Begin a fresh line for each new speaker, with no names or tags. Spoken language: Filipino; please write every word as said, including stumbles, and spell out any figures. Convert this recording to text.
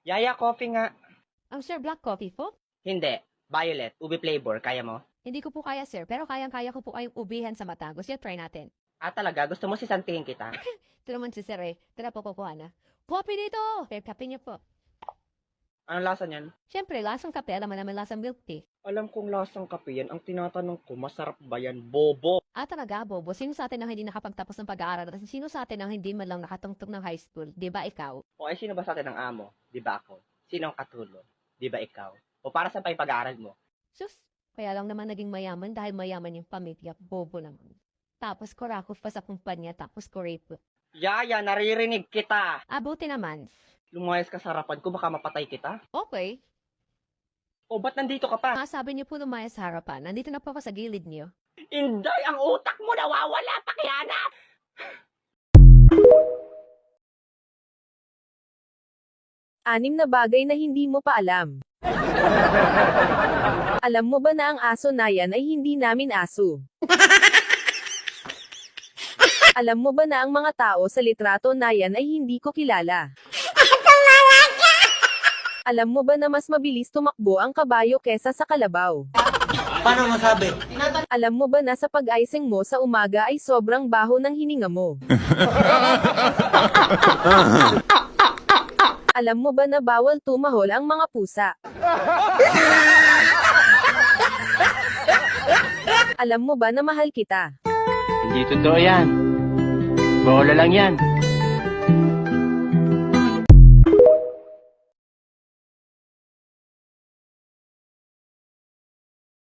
Yaya, coffee nga.
Ang sir, black coffee po?
Hindi. Violet. Ube flavor. Kaya mo?
Hindi ko po kaya, sir. Pero kayang-kaya ko po kayong ubihan sa mata. Gusto niyo, try natin.
Ah, talaga? Gusto mo sisantihin kita?
Ito naman si sir eh. Tara po, kukuha na. Coffee dito! Sir, kape niyo po.
Anong lasa niyan?
Siyempre, lasang kape. Alam mo naman lasang milk tea.
Alam kong lasang kape yan. Ang tinatanong ko, masarap ba yan? Bobo.
Ah, talaga, Bobo. Sino sa atin ang hindi nakapagtapos ng pag-aaral? At sino sa atin ang hindi man lang nakatungtong ng high school? Di ba ikaw?
O ay, sino ba sa atin ang amo? Di ba ako? Sino ang katulong? Di ba ikaw? O para sa pa yung pag-aaral mo?
Sus, kaya lang naman naging mayaman dahil mayaman yung pamilya. Bobo naman. Tapos kurakot pa sa kumpanya, tapos ko-rape.
Yaya, naririnig kita.
Abuti naman.
Lumayas ka sa harapan ko, baka mapatay kita.
Okay.
O, ba't nandito ka pa?
Mga sabi niyo po lumaya sa harapan. Nandito na po ako sa gilid niyo.
Inday, ang utak mo nawawala, pakihanap!
Anim na bagay na hindi mo pa alam. Alam mo ba na ang aso na yan ay hindi namin aso? Alam mo ba na ang mga tao sa litrato na yan ay hindi ko kilala? Alam mo ba na mas mabilis tumakbo ang kabayo kesa sa kalabaw?
Paano masabi?
Alam mo ba na sa pag-icing mo sa umaga ay sobrang baho ng hininga mo? Alam mo ba na bawal tumahol ang mga pusa? Alam mo ba na mahal kita?
Hindi totoo yan. Bola lang yan.